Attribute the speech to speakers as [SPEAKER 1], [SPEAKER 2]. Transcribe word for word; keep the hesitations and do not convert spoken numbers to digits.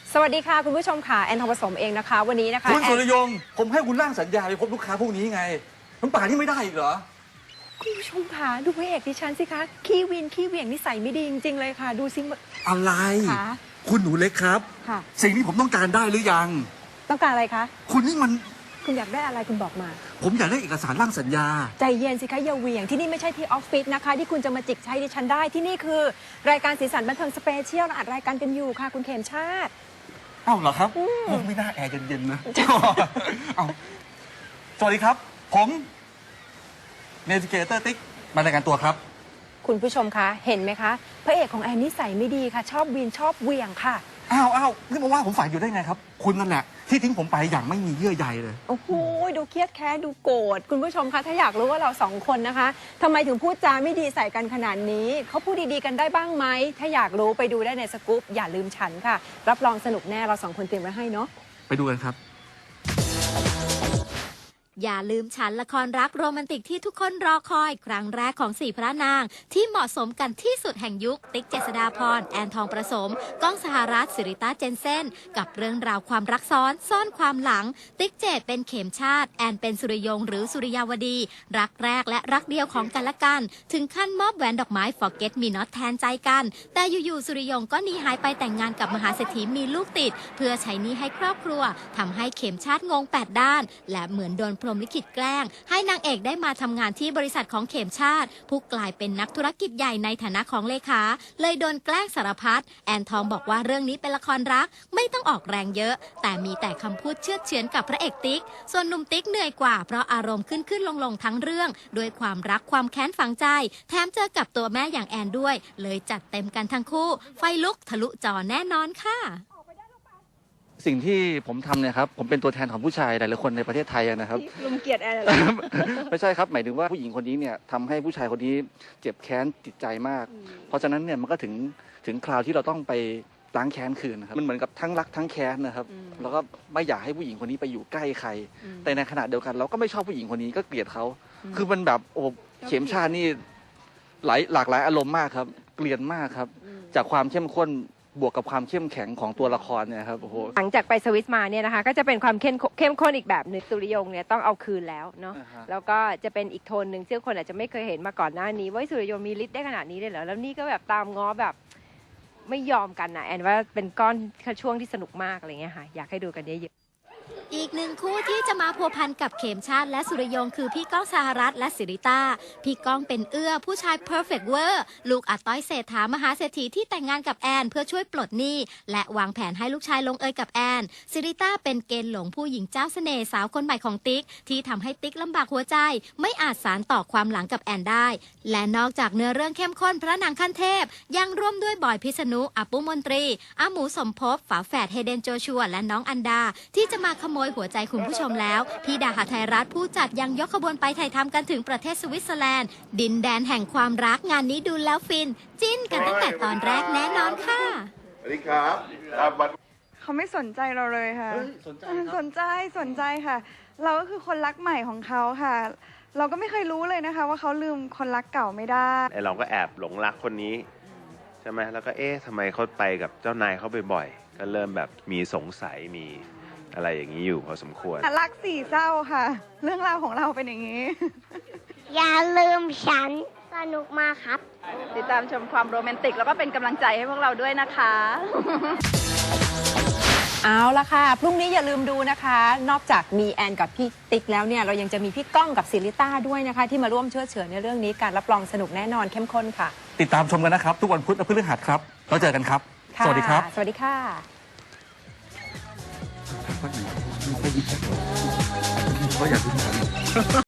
[SPEAKER 1] สวัสดีค่ะคุณผู้ชมค่ะแอนทองผสมเองนะคะวันนี้นะคะ
[SPEAKER 2] คุณสุรยงผมให้คุณร่างสัญญาไปพบลูกค้าพวกนี้ไงมันป่านนี้ไม่ได้อีกเหรอ
[SPEAKER 1] คุณผู้ชมค่ะดูพระเอกดิฉันสิคะขี้วินขี้เหวี่ยงนิสัยไม่ดีจริงๆเลยค่ะดูสิ
[SPEAKER 2] อะไรคุณหนูเล็กครับ
[SPEAKER 1] ค่ะ
[SPEAKER 2] สิ่งที่ผมต้องการได้หรือยัง
[SPEAKER 1] ต้องการอะไรคะ
[SPEAKER 2] คุณนี่มัน
[SPEAKER 1] คุณอยากได้อะไรคุณบอกมา
[SPEAKER 2] ผมอยากได้เอกสารร่างสัญญา
[SPEAKER 1] ใจเย็นสิคะอย่าเหวี่ยงที่นี่ไม่ใช่ที่ออฟฟิศนะคะที่คุณจะมาจิกใช้ดิฉันได้ที่นี่คือรายการสีสันบันเทิงสเปเชียลเราอัดรายการกันอยู่ค่ะคุณเขมชาติ
[SPEAKER 2] เอ้าเหรอครับไม่น่าแอร์เย็นๆนะเอาสวัสดีครับผมเนวิเกเตอร์ติ๊กมารายการตัวครับ
[SPEAKER 1] คุณผู้ชมคะเห็นไหมคะพระเอกของแอนนิสัยไม่ดีค่ะชอบวีนชอบเหวี่ยงค่ะ
[SPEAKER 2] อ้าวอ้าวนี่มาว่าผมฝ่ายอยู่ได้ไงครับคุณนั่นแหละที่ทิ้งผมไปอย่างไม่มีเยื่อใยเลย
[SPEAKER 1] โอ้โหดูเครียดแค้นดูโกรธคุณผู้ชมคะถ้าอยากรู้ว่าเราสองคนนะคะทำไมถึงพูดจาไม่ดีใส่กันขนาดนี้เขาพูดดีๆกันได้บ้างไหมถ้าอยากรู้ไปดูได้ในสกู๊ปอย่าลืมฉันค่ะรับรองสนุกแน่เราสองคนเตรียมไว้ให้เนาะ
[SPEAKER 2] ไปดูกันครับ
[SPEAKER 3] อย่าลืมฉันละครรักโรแมนติกที่ทุกคนรอคอยครั้งแรกของสี่พระนางที่เหมาะสมกันที่สุดแห่งยุคติ๊กเจษฎาพรแอนทองประสมก้องสหรัฐสิริต้าเจนเซ่นกับเรื่องราวความรักซ้อนซ่อนความหลังติ๊กเจดเป็นเข็มชาติแอนเป็นสุริยงหรือสุริยาวดีรักแรกและรักเดียวของกันและกันถึงขั้นมอบแหวนดอกไม้ Forget Me Not แทนใจกันแต่อยู่ๆสุริยงก็หนีหายไปแต่งงานกับมหาเศรษฐีมีลูกติดเพื่อใช้หนี้ให้ครอบครัวทำให้เข็มชาติงงแปดด้านและเหมือนโดนพรหมลิขิตแกล้งให้นางเอกได้มาทำงานที่บริษัทของเข็มชาติผู้กลายเป็นนักธุรกิจใหญ่ในฐานะของเลขาเลยโดนแกล้งสารพัดแอนทองบอกว่าเรื่องนี้เป็นละครรักไม่ต้องออกแรงเยอะแต่มีแต่คำพูดเชือดเฉือนกับพระเอกติ๊กส่วนหนุ่มติ๊กเหนื่อยกว่าเพราะอารมณ์ขึ้นขึ้นลงลงทั้งเรื่องด้วยความรักความแค้นฝังใจแถมเจอกับตัวแม่อย่างแอนด้วยเลยจัดเต็มกันทั้งคู่ไฟลุกทะลุจอแน่นอนค่ะ
[SPEAKER 4] สิ่งที่ผมทำเนี่ยครับผมเป็นตัวแทนของผู้ชายหลายๆคนในประเทศไทยนะครับ
[SPEAKER 1] ลุงเกียรติแอนเหรอ
[SPEAKER 4] ไม่ใช่ครับหมายถึงว่าผู้หญิงคนนี้เนี่ยทำให้ผู้ชายคนนี้เจ็บแค้นจิตใจมากเพราะฉะนั้นเนี่ยมันก็ถึงถึงคราวที่เราต้องไปล้างแค้นคืนนะครับมันเหมือนกับทั้งรักทั้งแค้นนะครับแล้วก็ไม่อยากให้ผู้หญิงคนนี้ไปอยู่ใกล้ใครแต่ในขณะเดียวกันเราก็ไม่ชอบผู้หญิงคนนี้ก็เกลียดเขาคือมันแบบโอ้เข็มชาตินี่หลายหลากหลายอารมณ์มากครับเกลียดมากครับจากความเข้มข้นบวกกับความเข้มแข็งของตัวละครเนี่ยครับโอ้โห
[SPEAKER 1] หลังจากไปสวิสมาเนี่ยนะคะก็จะเป็นความเข้มเข้มข้นอีกแบบหนึ่งสุริยงเนี่ยต้องเอาคืนแล้วเนาะ uh-huh. แล้วก็จะเป็นอีกโทนหนึ่งซึ่งคนอาจจะไม่เคยเห็นมาก่อนหน้านี้ว่าสุริยงมีฤทธิ์ได้ขนาดนี้เลยเหรอแล้วนี่ก็แบบตามง้อแบบไม่ยอมกันนะแอนว่าเป็นก้อนช่วงที่สนุกมากอะไรเงี้ยค่ะอยากให้ดูกันเยอะ
[SPEAKER 3] อีกหนึ่งคู่ที่จะมาพัวพันกับเข็มชาติและสุริยงคือพี่ก้องสหรัฐและสิริต้าพี่ก้องเป็นเอื้อผู้ชาย perfect เวอร์ลูกอาต้อยเศรษฐามหาเศรษฐีที่แต่งงานกับแอนเพื่อช่วยปลดหนี้และวางแผนให้ลูกชายลงเอยกับแอนสิริต้าเป็นเกณฑ์หลงผู้หญิงเจ้าเสน่ห์สาวคนใหม่ของติ๊กที่ทำให้ติ๊กลำบากหัวใจไม่อาจสานต่อความหลังกับแอนได้และนอกจากเนื้อเรื่องเข้มข้นพระนางขั้นเทพยังร่วมด้วยบอยพิษณุอาปุมนตรีอาหมูสมภพฝาแฝดเฮเดนโจชัวและน้องอันดาที่จะมาขโมยหัวใจคุณผู้ชมแล้วพี่ดาหาไทยรัฐผู้จัดยังยกขบวนไปถ่ายทำกันถึงประเทศสวิตเซอร์แลนด์ดินแดนแห่งความรักงานนี้ดูแล้วฟินจิ้นกันตั้งแต่ตอนแรกแน่นอนค่ะ
[SPEAKER 5] สวัสดีครับ
[SPEAKER 6] เขาไม่สนใจเราเลยค่ะ
[SPEAKER 2] สนใจ
[SPEAKER 6] สนใจสนใจค่ะเราก็คือคนรักใหม่ของเขาค่ะเราก็ไม่เคยรู้เลยนะคะว่าเขาลืมคนรักเก่าไม่ได้
[SPEAKER 5] ไอเราก็แอบหลงรักคนนี้ใช่ไหมแล้วก็เอ๊ะทำไมเขาไปกับเจ้านายเขาบ่อยๆก็เริ่มแบบมีสงสัยมีอะไรอย่างนี้อยู่พอสมควร
[SPEAKER 6] รักสี่เศร้าค่ะเรื่องราวของเราเป็นอย่างนี้
[SPEAKER 7] อย่าลืมฉันสนุกมากครับ
[SPEAKER 1] ติดตามชมความโรแมนติกแล้วก็เป็นกำลังใจให้พวกเราด้วยนะคะเอาละค่ะพรุ่งนี้อย่าลืมดูนะคะนอกจากมีแอนกับพี่ติ๊กแล้วเนี่ยเรายังจะมีพี่ก้องกับศิริต้าด้วยนะคะที่มาร่วมเชื่อเฉือนในเรื่องนี้การรับรองสนุกแน่นอนเข้มข้นค่ะ
[SPEAKER 2] ติดตามชมกันนะครับทุกวันพุธและพฤหัสครับแล้วเจอกันครับสวัสดีครับ
[SPEAKER 1] สวัสดีค่ะ
[SPEAKER 2] ก็อยากดู